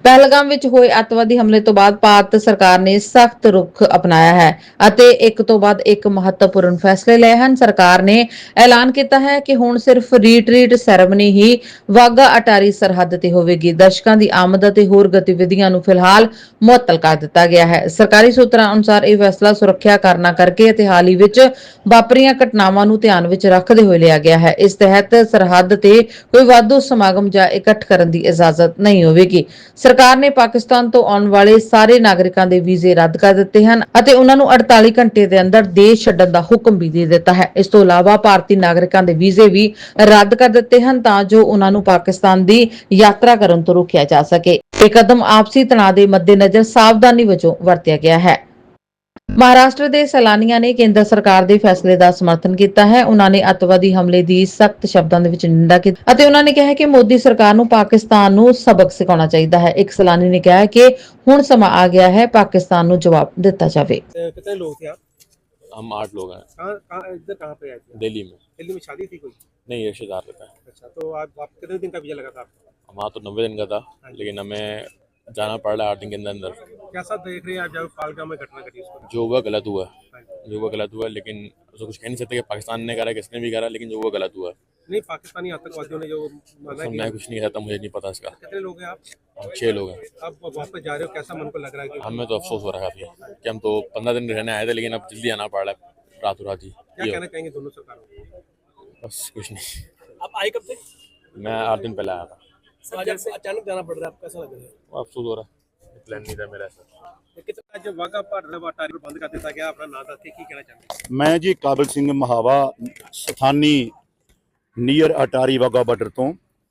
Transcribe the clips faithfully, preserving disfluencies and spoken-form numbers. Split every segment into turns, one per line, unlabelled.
ਪਹਿਲਗਾਮ ਵਿੱਚ ਹੋਏ ਅੱਤਵਾਦੀ ਹਮਲੇ ਤੋਂ ਬਾਅਦ ਭਾਰਤ ਸਰਕਾਰ ਨੇ ਸਖਤ ਰੁਖ ਅਪਣਾਇਆ ਹੈ ਅਤੇ ਇੱਕ ਤੋਂ ਬਾਅਦ ਇੱਕ ਮਹੱਤਵਪੂਰਨ ਫੈਸਲੇ ਲਏ ਹਨ। ਸਰਕਾਰ ਨੇ ਐਲਾਨ ਕੀਤਾ ਹੈ ਕਿ ਹੁਣ ਸਿਰਫ ਰੀਟਰੀਟ ਸੈਰੇਮਨੀ ਹੀ ਵਾਘਾ ਅਟਾਰੀ ਸਰਹੱਦ ਤੇ ਹੋਵੇਗੀ। ਦਰਸ਼ਕਾਂ ਦੀ ਆਮਦ ਅਤੇ ਹੋਰ ਗਤੀਵਿਧੀਆਂ ਨੂੰ ਫਿਲਹਾਲ ਮੁਅੱਤਲ ਕਰ ਦਿੱਤਾ ਗਿਆ ਹੈ। ਸਰਕਾਰੀ ਸੂਤਰਾਂ ਅਨੁਸਾਰ ਇਹ ਫੈਸਲਾ ਸੁਰੱਖਿਆ ਕਾਰਨਾਂ ਕਰਕੇ ਅਤੇ ਹਾਲ ਹੀ ਵਿੱਚ ਵਾਪਰੀਆਂ ਘਟਨਾਵਾਂ ਨੂੰ ਧਿਆਨ ਵਿੱਚ ਰੱਖਦੇ ਹੋਏ ਲਿਆ ਗਿਆ ਹੈ। ਇਸ ਤਹਿਤ ਸਰਹੱਦ ਤੇ ਕੋਈ ਵਾਧੂ ਸਮਾਗਮ ਜਾਂ ਇਕੱਠ ਕਰਨ ਦੀ ਇਜਾਜ਼ਤ ਨਹੀਂ ਹੋਵੇਗੀ। ਸਰਕਾਰ ਨੇ ਪਾਕਿਸਤਾਨ ਤੋਂ ਆਉਣ ਵਾਲੇ ਸਾਰੇ ਨਾਗਰਿਕਾਂ ਦੇ ਵੀਜ਼ੇ ਰੱਦ ਕਰ ਦਿੱਤੇ ਹਨ ਅਤੇ ਉਹਨਾਂ ਨੂੰ ਅੜਤਾਲੀ ਘੰਟੇ ਦੇ ਅੰਦਰ ਦੇਸ਼ ਛੱਡਣ ਦਾ ਹੁਕਮ ਵੀ ਦੇ ਦਿੱਤਾ ਹੈ। ਇਸ ਤੋਂ ਇਲਾਵਾ ਭਾਰਤੀ ਨਾਗਰਿਕਾਂ ਦੇ ਵੀਜ਼ੇ ਵੀ ਰੱਦ ਕਰ ਦਿੱਤੇ ਹਨ ਤਾਂ ਜੋ ਉਹਨਾਂ ਨੂੰ ਪਾਕਿਸਤਾਨ ਦੀ ਯਾਤਰਾ ਕਰਨ ਤੋਂ ਰੋਕਿਆ ਜਾ ਸਕੇ। ਇਹ ਕਦਮ ਆਪਸੀ ਤਣਾਅ ਦੇ ਮੱਦੇਨਜ਼ਰ ਸਾਵਧਾਨੀ ਵਜੋਂ ਵਰਤਿਆ ਗਿਆ ਹੈ। ਮਹਾਰਾਸ਼ਟਰ ਦੇ ਸੈਲਾਨੀਆਂ ਨੇ ਕੇਂਦਰ ਸਰਕਾਰ ਦੇ ਫੈਸਲੇ ਦਾ ਸਮਰਥਨ ਕੀਤਾ ਹੈ। ਉਹਨਾਂ ਨੇ ਅੱਤਵਾਦੀ ਹਮਲੇ ਦੀ ਸਖਤ ਸ਼ਬਦਾਂ ਦੇ ਵਿੱਚ ਨਿੰਦਾ ਕੀਤੀ ਅਤੇ ਉਹਨਾਂ ਨੇ ਕਿਹਾ ਕਿ ਮੋਦੀ ਸਰਕਾਰ ਨੂੰ ਪਾਕਿਸਤਾਨ ਨੂੰ ਸਬਕ ਸਿਖਾਉਣਾ ਚਾਹੀਦਾ ਹੈ। ਇੱਕ ਸੈਲਾਨੀ ਨੇ ਕਿਹਾ ਕਿ ਹੁਣ ਸਮਾਂ ਆ ਗਿਆ ਹੈ ਪਾਕਿस्तान ਨੂੰ ਜਵਾਬ ਦਿੱਤਾ ਜਾਵੇ।
कितने लोग थे आप?
हम आठ लोग हैं।
कहाँ कहाँ इधर कहाँ पे आए थे?
दिल्ली में।
दिल्ली में शादी थी कोई?
नहीं, रिश्तेदार रहता है।
अच्छा, तो आप, आप कितने दिन का वीजा लगा था आपको?
हमारा तो नब्बे दिन का था, लेकिन हमें जाना पड़ रहा है आठ दिन के अंदर अंदर।
कैसा देख रहे हैं आप जब पालगाम में घटना घटी उसको?
जो हुआ गलत हुआ, जो हुआ गलत हुआ, लेकिन उसको कुछ कह नहीं सकते कि पाकिस्तान ने करा किसने भी करा, लेकिन जो हुआ गलत हुआ।
नहीं, पाकिस्तानी आतंकवादियों ने जो माना
मैं कुछ नहीं कहता, मुझे नहीं पता इसका।
कितने लोग हैं आप?
हम छः लोग हैं।
अब वापस जा रहे हो, कैसा मन को लग रहा है कि
हमें तो अफसोस हो रहा है कि हम तो पंद्रह दिन रहने आए थे, लेकिन अब जल्दी आना पड़ रहा है रातों रात ही।
क्या कहना चाहेंगे दोनों सरकारों को?
बस कुछ नहीं।
आप आए कब थे?
मैं आठ दिन पहले आया था।
अचानक जाना पड़ रहा है, आप कैसा लग रहा है?
अफसोस हो रहा है, प्लान नहीं था मेरा ऐसा।
कितना जब वाघा पार अटारी बंद कर दिया गया, अपना नाम ਦੱਸ ਕੀ ਕਹਿਣਾ ਚਾਹੁੰਦੇ?
मैं जी काबिल सिंह महावा स्थानी ਨੀਅਰ ਅਟਾਰੀ ਵਾਘਾ ਬਾਰਡਰ ਤੋਂ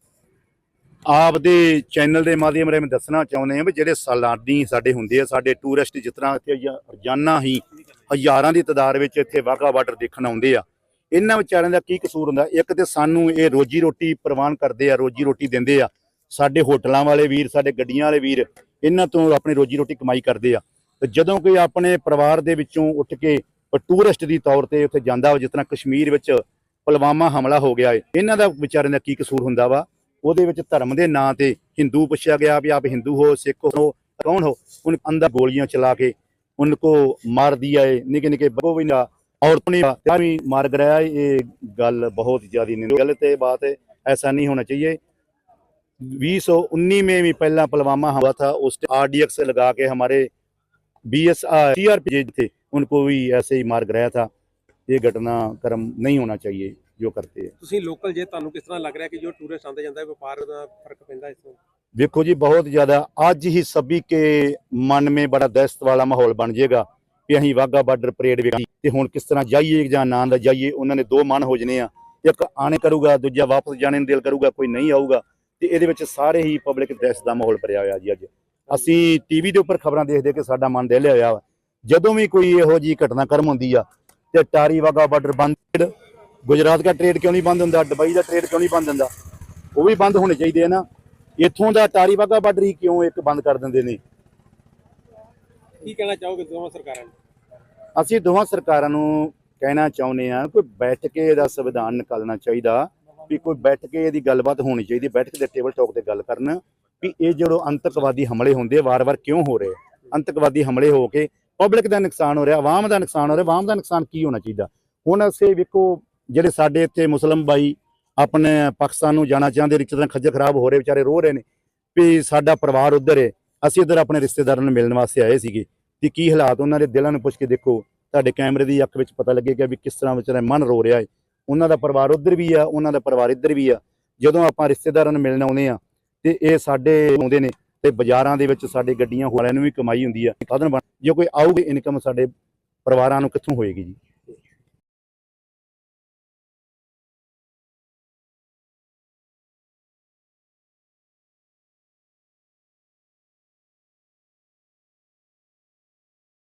ਆਪ ਦੇ ਚੈਨਲ ਦੇ ਮਾਧਿਅਮ ਰਾਹੀਂ ਦੱਸਣਾ ਚਾਹੁੰਦੇ ਹਾਂ ਵੀ ਜਿਹੜੇ ਸੈਲਾਨੀ ਸਾਡੇ ਹੁੰਦੇ ਆ, ਸਾਡੇ ਟੂਰਿਸਟ ਜਿਸ ਤਰ੍ਹਾਂ ਇੱਥੇ ਰੋਜ਼ਾਨਾ ਹੀ ਹਜ਼ਾਰਾਂ ਦੀ ਤਾਦਾਦ ਵਿੱਚ ਇੱਥੇ ਵਾਘਾ ਬਾਰਡਰ ਦੇਖਣ ਆਉਂਦੇ ਆ, ਇਹਨਾਂ ਵਿਚਾਰਿਆਂ ਦਾ ਕੀ ਕਸੂਰ ਹੁੰਦਾ? ਇੱਕ ਤੇ ਸਾਨੂੰ ਇਹ ਰੋਜੀ ਰੋਟੀ ਪ੍ਰਵਾਨ ਕਰਦੇ ਆ, ਰੋਜੀ ਰੋਟੀ ਦਿੰਦੇ ਆ। ਸਾਡੇ ਹੋਟਲਾਂ ਵਾਲੇ ਵੀਰ, ਸਾਡੇ ਗੱਡੀਆਂ ਵਾਲੇ ਵੀਰ ਇਹਨਾਂ ਤੋਂ ਆਪਣੀ ਰੋਜੀ ਰੋਟੀ ਕਮਾਈ ਕਰਦੇ ਆ। ਤੇ ਜਦੋਂ ਕੋਈ ਆਪਣੇ ਪਰਿਵਾਰ ਦੇ ਵਿੱਚੋਂ ਉੱਠ ਕੇ ਟੂਰਿਸਟ ਦੀ ਤੌਰ ਤੇ ਉੱਥੇ ਜਾਂਦਾ, ਜਿਸ ਤਰ੍ਹਾਂ ਕਸ਼ਮੀਰ ਵਿੱਚ ਪੁਲਵਾਮਾ ਹਮਲਾ ਹੋ ਗਿਆ ਹੈ, ਇਹਨਾਂ ਦਾ ਵਿਚਾਰਿਆਂ ਦਾ ਕੀ ਕਸੂਰ ਹੁੰਦਾ ਵਾ? ਉਹਦੇ ਵਿੱਚ ਧਰਮ ਦੇ ਨਾਂ ਤੇ ਹਿੰਦੂ ਪੁੱਛਿਆ ਗਿਆ ਵੀ ਆਪ ਹਿੰਦੂ ਹੋ, ਸਿੱਖ ਹੋ, ਕੌਣ ਹੋ? ਉਹਨ ਅੰਦਰ ਗੋਲੀਆਂ ਚਲਾ ਕੇ उनको मार दिया है। निके निके बच्चों भी ना औरतों ने भी मार गिराया। ये गल बहुत ज्यादा गलत है, बात है, ऐसा नहीं होना चाहिए। बीस सौ उन्नीस में भी पहला पुलवामा हुआ था, उस आर डी एक्स लगा के हमारे B S C R P थे, उनको भी ऐसे ही मार गिराया था। ये घटना क्रम नहीं होना चाहिए जो करते हैं।
ਤੁਸੀਂ ਲੋਕਲ ਜੇ ਤੁਹਾਨੂੰ ਕਿਸ ਤਰ੍ਹਾਂ ਲੱਗ ਰਿਹਾ ਕਿ ਜੋ ਟੂਰਿਸਟ ਆਉਂਦੇ ਜਾਂਦਾ ਵਪਾਰ ਦਾ ਫਰਕ ਪੈਂਦਾ ਇਸ ਤੋਂ?
देखो जी, बहुत ज़्यादा अज ही सभी के मन में बड़ा दहशत वाला माहौल बन जाएगा कि अं वाघा बार्डर परेड वे हुण किस तरह जाइए या ना जाइए। उन्होंने दो मन हो जाने, एक आने करूगा, दूजा वापस जाने दिल करूगा, कोई नहीं आऊगा। तो ये सारे ही पब्लिक दहशत का माहौल भरिया हुआ जी। अज असी टी वी के उपर खबर देखते कि साडा मन दिल होया वा। जदों भी कोई इहो जी घटनाक्रम होंदी आ ते अटारी वाघा बार्डर बंद, गुजरात का ट्रेड क्यों नहीं बंद होंदा, दुबई का ट्रेड क्यों नहीं बंद होंदा? वो भी बंद होने चाहिए ना। इत्थों का अटारी वाघा बार्डर ही क्यों एक बंद कर देंगे ने?
की कहना चाहोगे दोवां सरकारां नूं?
ਅਸੀਂ ਦੋਵਾਂ ਸਰਕਾਰਾਂ ਨੂੰ ਕਹਿਣਾ ਚਾਹੁੰਦੇ ਆ ਕੋਈ ਬੈਠ ਕੇ ਇਹਦਾ ਸੰਵਿਧਾਨ ਨਿਕਾਲਣਾ ਚਾਹੀਦਾ, ਵੀ ਕੋਈ ਬੈਠ ਕੇ ਇਹਦੀ ਗੱਲਬਾਤ ਹੋਣੀ ਚਾਹੀਦੀ, ਬੈਠ ਕੇ ਟੇਬਲ ਟਾਕ ਤੇ ਗੱਲ ਕਰਨ ਵੀ ਇਹ ਜਿਹੜੇ ਅੰਤਕਵਾਦੀ ਹਮਲੇ ਹੁੰਦੇ ਵਾਰ-ਵਾਰ ਕਿਉਂ ਹੋ ਰਹੇ? ਅੰਤਕਵਾਦੀ ਹਮਲੇ ਹੋ ਕੇ ਪਬਲਿਕ ਦਾ ਨੁਕਸਾਨ ਹੋ ਰਿਹਾ, ਆਵਾਮ ਦਾ ਨੁਕਸਾਨ ਹੋ ਰਿਹਾ। ਆਵਾਮ ਦਾ ਨੁਕਸਾਨ ਕੀ ਹੋਣਾ ਚਾਹੀਦਾ? ਹੁਣ ਅਸੀਂ ਵੇਖੋ ਜਿਹੜੇ ਸਾਡੇ ਇੱਥੇ ਮੁਸਲਮ ਭਾਈ ਆਪਣੇ ਪਾਕਿਸਤਾਨ ਨੂੰ ਜਾਣਾ ਚਾਹੁੰਦੇ, ਰਿਸ਼ਤੇਦਾਰ ਖੱਜਲ ਖਰਾਬ ਹੋ ਰਹੇ, ਵਿਚਾਰੇ ਰੋ ਰਹੇ ਨੇ ਵੀ ਸਾਡਾ ਪਰਿਵਾਰ ਉੱਧਰ ਹੈ, ਅਸੀਂ ਇੱਧਰ ਆਪਣੇ ਰਿਸ਼ਤੇਦਾਰਾਂ ਨੂੰ ਮਿਲਣ ਵਾਸਤੇ ਆਏ ਸੀਗੇ। ਤੇ ਕੀ ਹਾਲਾਤ ਉਹਨਾਂ ਦੇ ਦਿਲਾਂ ਨੂੰ ਪੁੱਛ ਕੇ ਦੇਖੋ, ਤੁਹਾਡੇ ਕੈਮਰੇ ਦੀ ਅੱਖ ਵਿੱਚ ਪਤਾ ਲੱਗੇਗਾ ਵੀ ਕਿਸ ਤਰ੍ਹਾਂ ਵਿਚਾਰਾ ਮਨ ਰੋ ਰਿਹਾ ਹੈ। ਉਹਨਾਂ ਦਾ ਪਰਿਵਾਰ ਉੱਧਰ ਵੀ ਆ, ਉਹਨਾਂ ਦਾ ਪਰਿਵਾਰ ਇੱਧਰ ਵੀ ਆ। ਜਦੋਂ ਆਪਾਂ ਰਿਸ਼ਤੇਦਾਰਾਂ ਨੂੰ ਮਿਲਣ ਆਉਂਦੇ ਆ ਤੇ ਇਹ ਸਾਡੇ ਆਉਂਦੇ ਨੇ ਤੇ ਬਾਜ਼ਾਰਾਂ ਦੇ ਵਿੱਚ ਸਾਡੇ ਗੱਡੀਆਂ ਵਾਲਿਆਂ ਨੂੰ ਵੀ ਕਮਾਈ ਹੁੰਦੀ ਆ। ਸਾਧਨ ਬਣ ਜੇ ਕੋਈ ਆਊਗੀ ਇਨਕਮ ਸਾਡੇ ਪਰਿਵਾਰਾਂ ਨੂੰ ਕਿੱਥੋਂ ਹੋਏਗੀ ਜੀ?